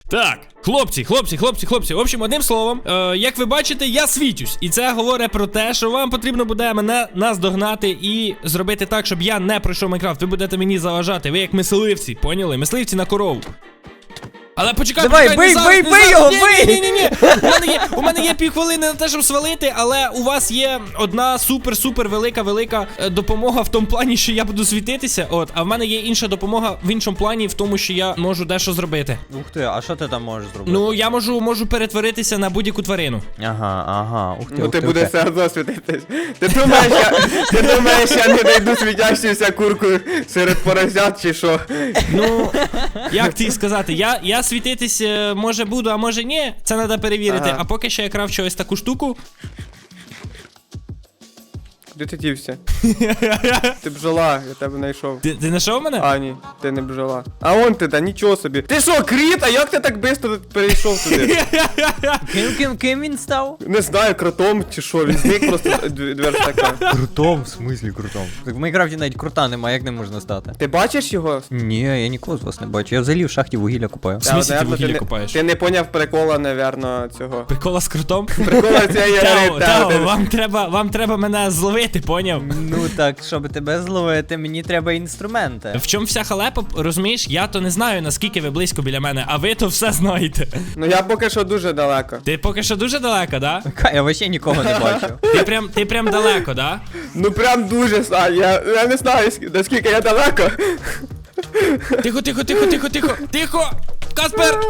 Так, хлопці. В общем, одним словом, як ви бачите, я світюсь. І це говорить про те, що вам потрібно буде мене наздогнати і зробити так, щоб я не пройшов Майнкрафт. Ви будете мені заважати. Ви як мисливці, поняли? Мисливці на корову. Але почекай, давай, бий його, бий! Ні. У мене є півхвилини на те, щоб свалити, але у вас є одна супер велика допомога в тому плані, що я буду світитися. А в мене є інша допомога в іншому плані, в тому, що я можу дещо зробити. Ух ти, а що ти там можеш зробити? Ну, я можу перетворитися на будь-яку тварину. Ага, ух ти. Ну ти будеш все одно світитись. Ти думаєш, я не найду світящуюся курку серед поросят чи що? Ну, як тобі сказати, я світитись може буду, а може ні. Це треба перевірити. Ага. А поки що я крафчу ось таку штуку. Де ти дівся? Ти бджола, я тебе знайшов. Ти знайшов мене? А, ні, ти не бджола. А он ти, да нічого собі. Ти що, кріт? А як ти так швидко перейшов туди? Ким він став? Не знаю, кротом чи що, він зник просто дверь така. Крутом, в смислі крутом? Так в Майнкрафті навіть крута немає, як не можна стати? Ти бачиш його? Ні, я нікого з вас не бачу. Я взагалі в шахті вугілля купаю. В смислі ти наверно, вугілля не- купаєш? Ти не поняв прикола, напевно, цього. Прикола з крутом? Прикола цієї гри, Тео, вам треба мене зловити, поняв? Ну так, щоб тебе зловити, мені треба інструменти. В чому вся халепа, розумієш? Я то не знаю, наскільки ви близько біля мене, а ви то все знаєте. Ну я поки що дуже далеко. Ти поки що дуже далеко, да? Я вообще нікого не бачу. Ти прям далеко, да? Ну прям дуже, Сань, я не знаю, наскільки я далеко. Тихо! Каспер!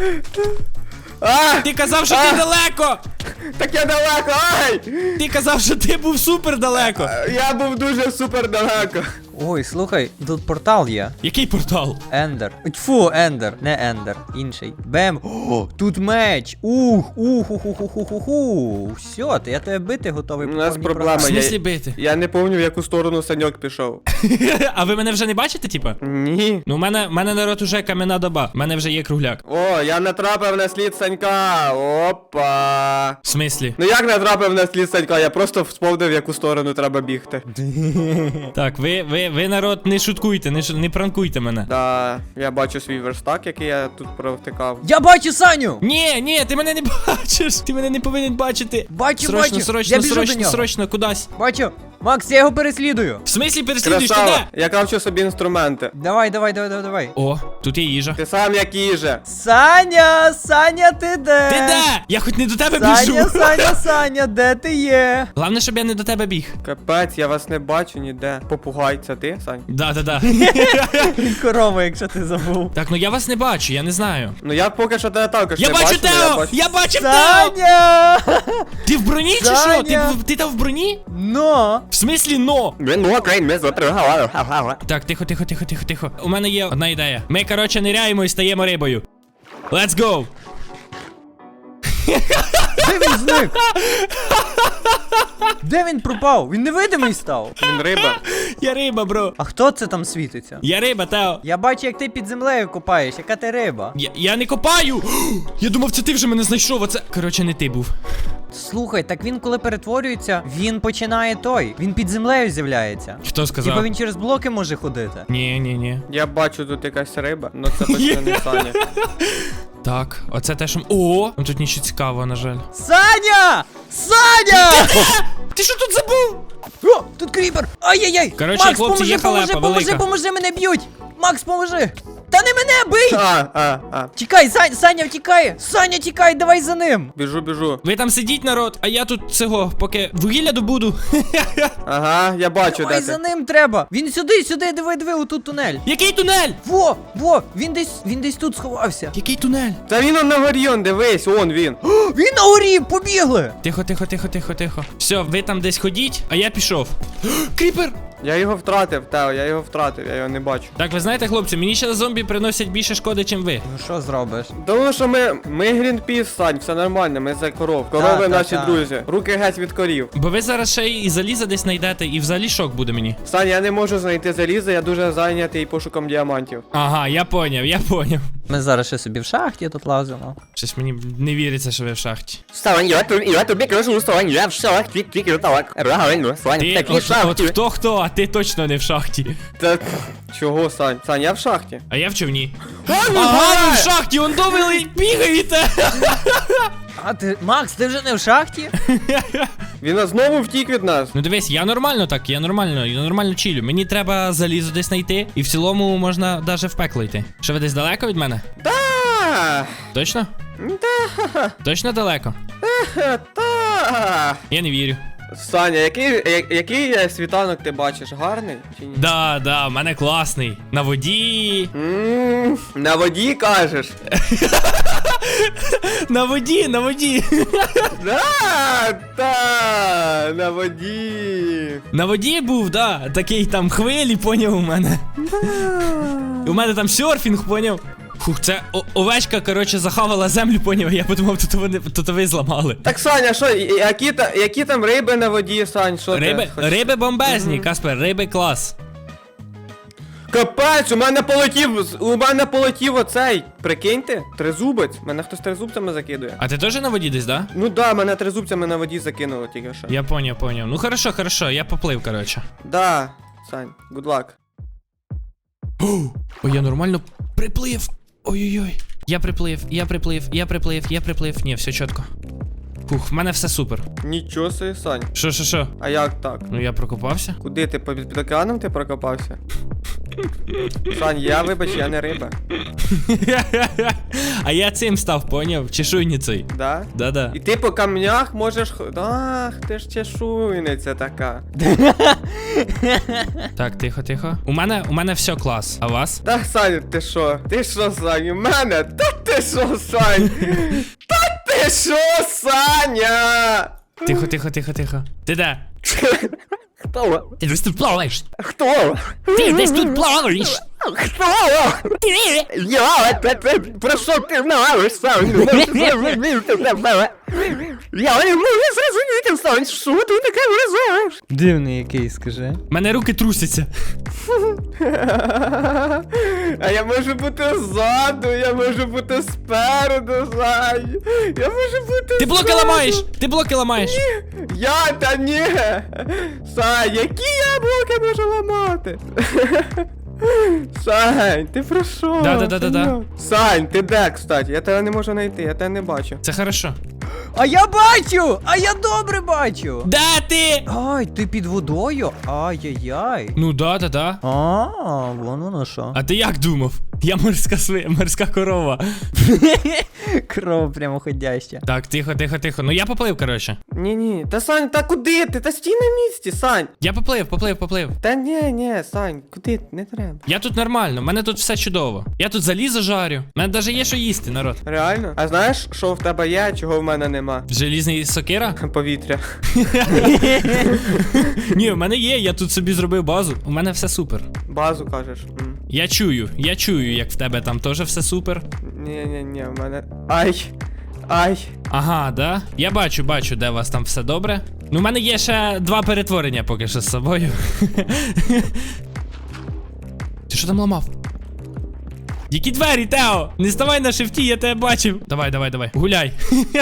А, Ти казав, що ти далеко! так я далеко, ай! Ти казав, що ти був супер далеко! Я був дуже супер далеко. Ой, слухай, тут портал є. Який портал? Ендер. Тьфу, Ендер. Не Ендер, інший. Бем. О, тут меч. Все, я тебе бити готовий. У нас повній проблема. В програмі. смислі бити? Я не пам'ятаю, в яку сторону Саньок пішов. А ви мене вже не бачите, типа? Ні. Ну, в мене народ уже кам'яна доба. В мене вже є кругляк. О, я натрапив на слід Санька. Опа. В смислі? Ну як натрапив на слід Санька? Я просто вспомнив, в яку сторону треба бігти. Так, ви народ, не шуткуйте, не пранкуйте мене. Да, я бачу свій верстак, який я тут провтикав. Я бачу Саню! Ні, ти мене не бачиш. Ти мене не повинен бачити. Бачу. Я біжу до нього. Срочно, кудись. Бачу. Макс, я його переслідую. В смислі переслідуєш ти Красава, де? я кравчу собі інструменти. Давай. О, тут є їжа. Ти сам як їжа. Саня, ти де? Ти де? Я хоч не до тебе біжу. Саня, де ти є? Головне, щоб я не до тебе біг. Капець, я вас не бачу ніде. Попугай, це ти, Сань? Да. Корова, якщо ти забув. Так, ну я вас не бачу, я не знаю. Ну я поки що тебе також Я не бачу бачу, але Тео! Я бачив Тео! Саня! Ти в броні чи що? Саня! Ти там в броні? Но! В смислі, но? Так, тихо. У мене є одна ідея. Ми, коротше, ниряємо і стаємо рибою. Let's go! Де він зник? Де він пропав? Він невидимий став. Він риба. Я риба, бро. А хто це там світиться? Я риба, Тео. Я бачу, як ти під землею копаєш. Яка ти риба? Я не копаю! Я думав, це ти вже мене знайшов, а це... Коротше, не ти був. Слухай, так він коли перетворюється, він починає той. Він під землею з'являється. Хто сказав? Типа він через блоки може ходити. Ні. Я бачу тут якась риба, але це точно не Саня. Так, оце те, що... О! Ну тут нічого цікавого, на жаль. Саня! Ти що тут забув? О, тут кріпер! Ай-яй-яй! Коротше, Макс, хлопці, є халепа велика. поможи, мене б'ють! Макс, поможи! Та не мене, бий! А. Тікай, Саня втікає! Саня, тікай, давай за ним! Біжу. Ви там сидіть, народ, а я тут цього, поки вугілля добуду. Ага, я бачу, Давай де за ти. ним треба! Він сюди, диви, отут тунель! Який тунель? Во, він десь тут сховався. Який тунель? Та він он на горі, он, дивись, он він. Він на горі, побігли! Тихо. Все, ви там десь ходіть, а я пішов. Кріпер! Я його втратив, Тео, я його не бачу. Так, ви знаєте, хлопці, мені ще зомбі приносять більше шкоди, чим ви. Ну що зробиш? Тому що ми Грінпіс, Сань, все нормально, ми за коров. Корови наші друзі. Руки геть від корів. Бо ви зараз ще і заліза десь знайдете, і взагалі шок буде мені. Сань, я не можу знайти залізо, я дуже зайнятий пошуком діамантів. Ага, я поняв. Ми зараз ще собі в шахті тут лазимо. Щось мені не віриться, що ви в шахті. Вставай, я тобі кажу, вставай, я в шахті, тільки так. Правильно, Сань, Ти, такі от шахті. хто, а ти точно не в шахті. Та чого, Сань? Сань, я в шахті. А я в човні. Ага, ви в шахті, он довели, бігаєте. А ти, Макс, ти вже не в шахті? Він знову втік від нас. Ну дивись, я нормально так, я нормально чилю. Мені треба залізо десь знайти, і в цілому можна даже в пекло йти. Що ви десь далеко від мене? Та, Точно? Точно далеко? та. Я не вірю. Саня, який світанок ти бачиш? Гарний чи ні? Да, в мене класний. На воді. На воді кажеш? На воді. Та, на воді. На воді був, да. Такий там хвилі, поняв у мене. І у мене там серфінг, поняв. Фух, це овечка, коротше, захавала землю, поняв. Я подумав, тут ви зламали. Так, Саня, що, які там риби на воді, Сань, що ти? Риби бомбезні, Каспер, риби клас. Капець, у мене полетів оцей, прикиньте, тризубець, мене хтось тризубцями закидує. А ти теж на воді десь, да? Ну да, мене тризубцями на воді закинуло тільки що. Я поняв. Ну хорошо, я поплив, коротше. Да, Сань, good luck. Ой, я нормально приплив. Ой-ой-ой. Я приплив. Ні, все чітко. Фух, в мене все супер. Нічого собі, Сань. Що? А як так? Ну я прокопався. Куди ти, під океаном ти прокопався? Сань, вибач, я не риба. А я цим став, поняв? Чешуйницей. Да? Да. І ти по камнях можеш... Ах, ти ж чешуйниця така. Так, тихо. У мене все клас. А у вас? Та, Сань, ти що? Ти що, Сань? У мене? Та ти що, Сань? Та ти що, Саня? Тихо. Ти де? Хто? Ти десь тут плаваєш. Хто? Ти десь тут плаваєш. Хто? Я, про що ти знаєш, Сань? Я не можу зрозуміти, Сань, що ти таке вразаєш? Дивний який, скажи. Мене руки трусяться. А я можу бути ззаду, я можу бути спереду, Сань. Я можу бути Ти блоки ламаєш! Та ні! Сань, які я блоки можу ламати? Сань, ти про що? Да. Сань, ти де, кстати? Я тебе не можу знайти, я тебе не бачу. Це хорошо. А я бачу! А я добре бачу! Де ти? Ай, ти під водою? Ай-яй-яй. Ну да. Вон воно що. А ти як думав? Я морська корова. Кров прямоходяща. Так, тихо. Ну я поплив, коротше. Ні, та Сань, та куди ти? Та стій на місці, Сань. Я поплив. Та ні, Сань, куди? Не треба. Я тут нормально, в мене тут все чудово. Я тут залізо жарю. У мене навіть є що їсти, народ. Реально? А знаєш, що в тебе є, а чого в мене нема? Желізний сокира? Повітря. Ні, в мене є, я тут собі зробив базу. У мене все супер. Базу кажеш. Я чую, як в тебе там теж все супер. Ні, в мене. Ай. Ага, да? Я бачу, де у вас там все добре. Ну, в мене є ще 2 перетворення поки що з собою. Ти що там ламав? Які двері, Тео? Не ставай на шифті, я тебе бачив. Давай. Гуляй.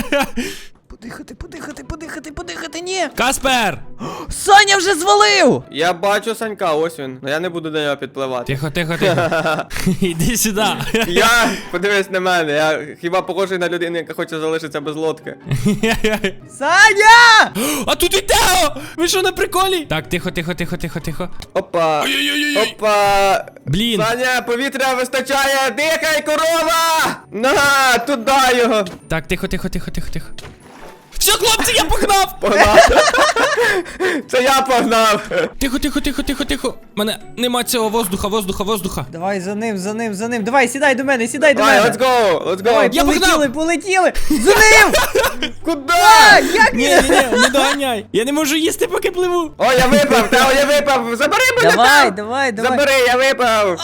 Подихати, ні! Каспер! Саня вже звалив! Я бачу Санька, ось він. Но я не буду до нього підпливати. Тихо. Іди сюди. Подивись на мене, я хіба похожий на людину, яка хоче залишитися без лодки. Саня! А тут і Тео! Ви що, на приколі? Так, тихо. Опа. Ой-ой-ой. Опа. Блін. Саня, повітря вистачає, дихай, корова! На, туди його. Так, тихо. Все, хлопці, я погнав! Погнав. Це я погнав. Тихо. Мене нема цього воздуха. Давай за ним. Давай, сідай до мене. Давай, let's go. Давай, Я полетіли. За ним! Куда? Як Ні, не доганяй. Я не можу їсти, поки пливу. О, я випав, Тео, я випав. Забери мене, Тео. Давай. Забери, я випав.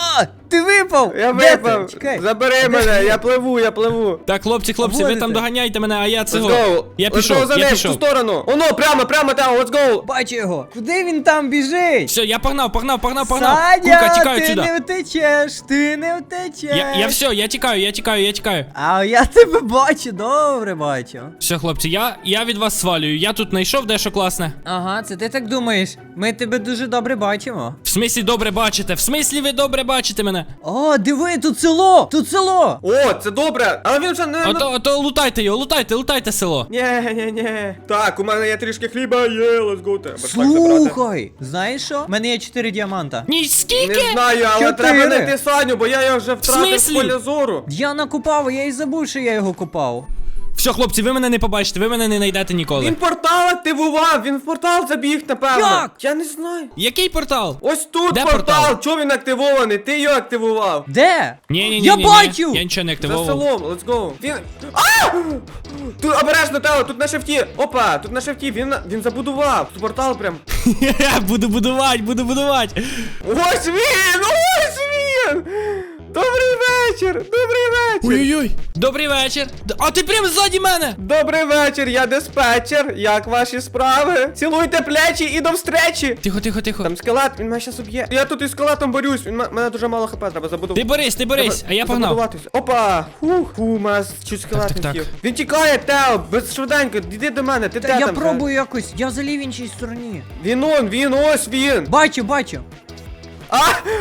Ти випав! Я Де ти? випав. Чекай. Забери мене, я пливу. Так, хлопці, ви Водите. там доганяйте мене, а я Let's цього. go. Я Let's go за пішов, я ним, в ту пішов. сторону. Оно, прямо, Тео, let's go. Бачу його. Куди він там біжить? Все, я погнав. Саня, Курка, тікаю ти сюди. не втечеш, ти не втечеш. Я все, я тікаю. А я тебе бачу, добре бачу. Все, хлопці, я від вас свалюю. Я тут знайшов дещо класне. Ага, це ти так думаєш. Ми тебе дуже добре бачимо. В смислі добре бачите? В смислі ви добре бачите мене? О, диви, тут село! Тут село! О, це добре. Але він вже не... Ото лутайте його, лутайте село. Ні. Так, у мене є трішки хліба, є, let's go. Треба так забрати. Слухай, знаєш що? У мене є 4 діаманта. Ні, Не скільки? знаю, але 4. треба знайти Саню, бо я його вже втратив з смислі? поля зору. Я накопав, я і забув, що я його копав. Все, хлопці, ви мене не побачите, ви мене не знайдете ніколи. Він портал активував, він в портал забіг, напевно. Як? Я не знаю. Який портал? Ось тут Де портал. портал? Чого він активований? Ти його активував. Де? Ні. Я бачу! Я нічого не За активував. селом, let's go. Він... А! Тут обережно, Тео, тут на шифті. Опа, тут на шифті, він забудував. Тут портал прям. Буду будувати. Ось він! Добрий вечір. Ой-ой-ой. Добрий вечір. А ти прям ззаді мене. Добрий вечір, я диспетчер. Як ваші справи? Цілуйте плечі і до встречі. Тихо. Там скелет, він мене щас уб'є. Я тут із скелетом борюсь, мене дуже мало хп, треба забудувати. Ти борись, а я погнав. Опа! Фу, мене чуть скелет не Так. втів. Він тікає, Тео, швиденько, іди до мене, ти Та де я там? пробую якось, я взагалі в іншій стороні. Він, ось він. Бачу. А!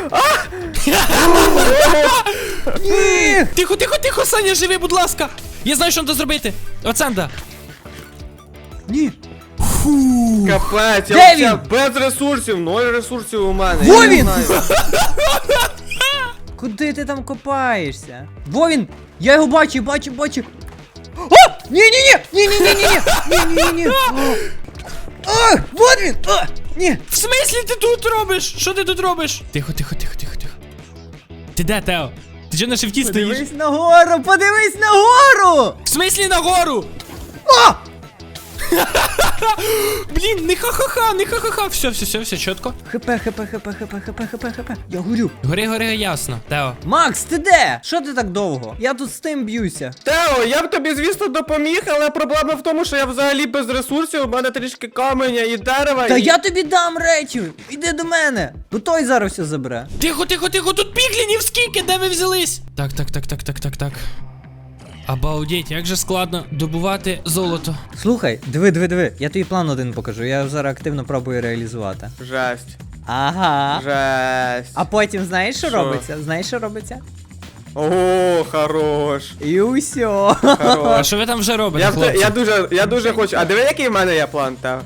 Ні! Тихо, Саня, живи, будь ласка. Я знаю, що треба зробити. Оценда. Ні! Капець, Де я він? взагалі без ресурсів, 0 ресурсів у мене. Во я не він! знаю. Куди ти там копаєшся? Во він! Я його бачу. О! Ні! А! Вот він! А! Ні! В смислі ти тут робиш? Що ти тут робиш? Тихо. Ти де, Тео? Ти чого на шифті стоїш? Подивись нагору! В смислі нагору? О! Блін, не ха-ха-ха. Все, чітко. ХП. Я горю. Гори, ясно. Тео. Макс, ти де? Що ти так довго? Я тут з тим б'юся. Тео, я б тобі, звісно, допоміг, але проблема в тому, що я взагалі без ресурсів, у мене трішки каменя і дерева. Та і... я тобі дам речі! Іди до мене! Бо той зараз все забере. Тихо, тут піглінів скільки, де ви взялись? Так. Обалдеть, як же складно добувати золото. Слухай, диви. Я тобі план один покажу. Я його зараз активно пробую реалізувати. Жесть. Ага. Жесть. А потім знаєш, що Що? робиться? О, хорош. І усьо. А Хорош. що ви там вже робите, хлопці? Я дуже хочу. А диви, який в мене є план, Тео?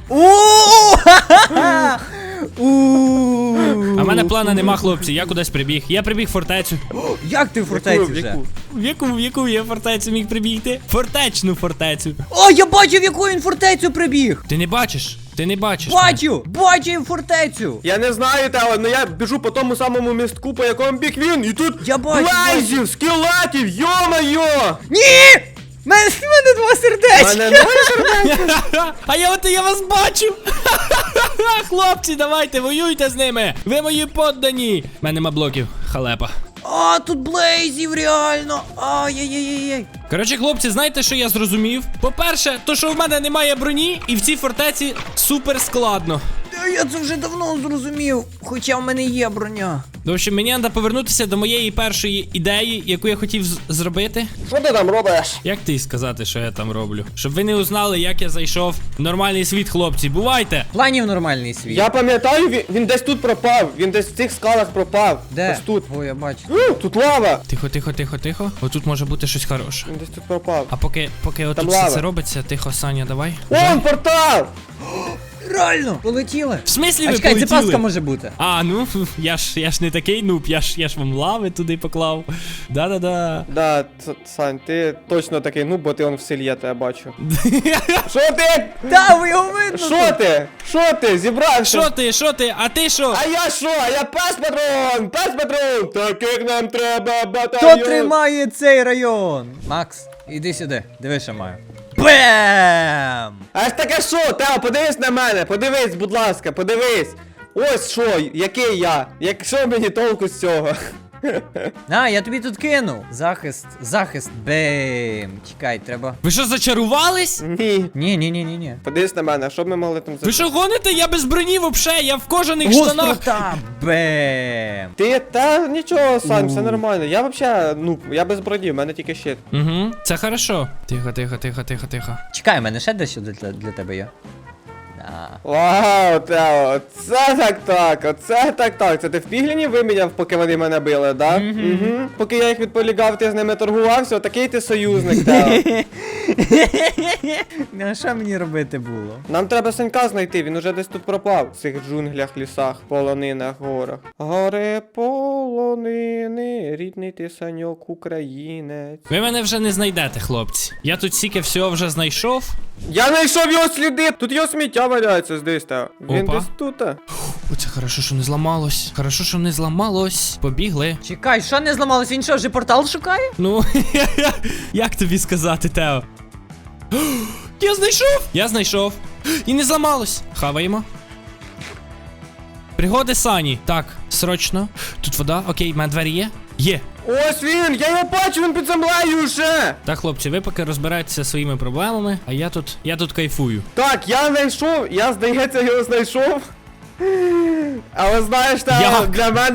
А в мене плана нема, хлопці, я кудись прибіг. Я прибіг в фортецю. Як ти в фортеці Яку? вже? В яку я фортецю міг прибігти? Фортечну фортецю. О, я бачив, в яку він фортецю прибіг! Ти не бачиш? Бачу він фортецю! Я не знаю, Тео, але я біжу по тому самому містку, по якому біг він, і тут Я бачу, блайзів, скелетів, йо-моє! Ні! Мене 2 сердечки! Мене не А я вас бачу! Хлопці, давайте, воюйте з ними! Ви мої поддані! У мене нема блоків, халепа. А, тут блейзів реально! Ай-яй-яй-яй! Коротше, хлопці, знаєте, що я зрозумів? По-перше, то що в мене немає броні, і в цій фортеці супер складно. Та я це вже давно зрозумів, хоча в мене є броня. В общем, мені треба повернутися до моєї першої ідеї, яку я хотів зробити. Що ти там робиш? Як ти сказати, що я там роблю? Щоб ви не узнали, як я зайшов в нормальний світ, хлопці. Бувайте! Планів нормальний світ. Я пам'ятаю, він десь тут пропав, він десь в цих скалах пропав. Де? Ось тут. О, я бачу. Тут лава. Тихо. Отут може бути щось хороше. Він десь тут пропав. А поки отут все лава. це робиться, тихо, Саня, давай. Вон портал! Реально! Полетіли! В смислі А ви чекай, це полетіли? паска може бути. А, ну, я ж не такий нуб, я ж вам лави туди поклав. Да-да-да. Да, Сань, ти точно такий, ну, бо ти он в селі, я тебе бачу. Що ти? Та, ви його видно! Що ти? Що ти? Зібрався? Що ти? А ти що? А я що? А я пес патрон! Пес патрон! Так як нам треба Хто батальйон! тримає цей район? Макс, іди сюди, диви, що маю. Бем! Аж таке що? Тео, подивись на мене, подивись, будь ласка, подивись. Ось що, який я. Якщо мені толку з цього? А, я тобі тут кинув. Захист. Бем. Чекай, треба. Ви що, зачарувались? Ні. Ні. Подивись на мене, що б ми могли там Ви що гоните? Я без броні вообще, я в кожаних штанах. Гострота. Бем. Та нічого, Сань, все нормально. Я вообще, ну, я без броні, в мене тільки щит. Угу, це хорошо. Тихо. Чекай, у мене ще дещо для тебе є. Да. Вау, Тео, оце так. Це ти в пігліні виміняв, поки вони мене били, да? Угу. Поки я їх відполігав, ти з ними торгувався, такий ти союзник, Тео. Ну, а що мені робити було? Нам треба Санька знайти, він уже десь тут пропав. В цих джунглях, лісах, полонинах, горах. Гори, полонини, рідний ти Саньок, українець. Ви мене вже не знайдете, хлопці. Я тут стільки всього вже знайшов. Я знайшов його сліди! Тут його сміття валяється здесь, Тео. Він Опа. десь тут. Оце хорошо, що не зламалось. Побігли. Чекай, що не зламалось? Він що, вже портал шукає? Ну, як тобі сказати, Тео? Я знайшов. І не зламалось. Хаваємо. Пригоди Сані. Так, срочно. Тут вода. Окей, в мене двері є? Є. Ось він! Я його бачу, він під землею вже! Так, хлопці, ви поки розбираєтеся зі своїми проблемами, а я тут кайфую. Так, я знайшов, я, здається, його знайшов. Але знаєш, Як?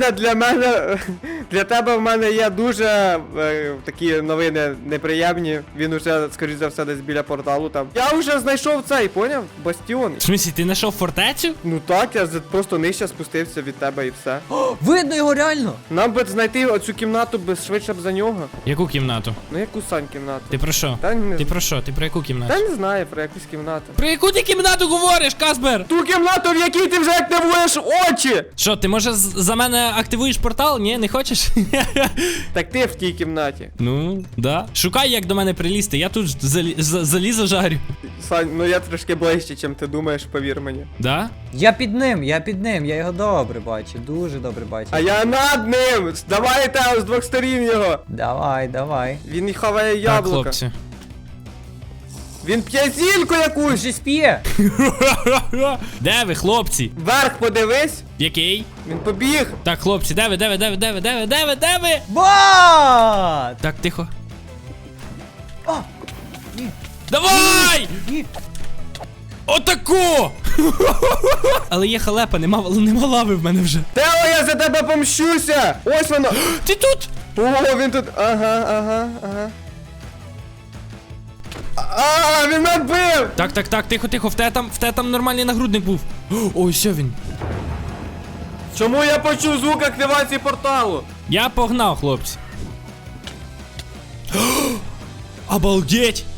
для тебе в мене є дуже такі новини неприємні. Він уже, скоріш за все, десь біля порталу там. Я вже знайшов цей, поняв? Бастіон. В смысле, ти знайшов фортецю? Ну так, я просто нижче спустився від тебе і все. Видно його реально. Нам би знайти оцю кімнату швидше б за нього. Яку кімнату? Ну яку Сань кімнату? Ти про що? Та не, Ти про що? Ти про яку кімнату? та не знаю про якусь кімнату. Про яку ти кімнату говориш, Каспер? Ту кімнату, в якій ти вже активуєш очі! Що, ти може за мене активуєш портал? Ні, не хочеш? Так ти в тій кімнаті. Ну, да. Шукай, як до мене прилізти, я тут залізо жарю. Сань, ну я трошки ближче, чим ти думаєш, повір мені. Да? Я під ним, я його добре бачу, дуже добре бачу. А я над ним! Давай, Тео, з двох сторін його! Давай. Він хаває Так, яблука. хлопці. Він п'є зільку Він якусь! же спіє. Де ви, хлопці? Вверх подивись! Який? Він побіг! Так, хлопці, де ви? Бат! Так, тихо. О! Ні. Давай! Ні. Отако! Але є халепа, нема лави в мене вже. Тео, я за тебе помщуся! Ось воно! Ти тут? О, він тут. Ага. А, він мене бив! Так, тихо, в те там нормальний нагрудник був. Ой, все він. Чому я почув звук активації порталу? Я погнав, хлопці. Обалдеть!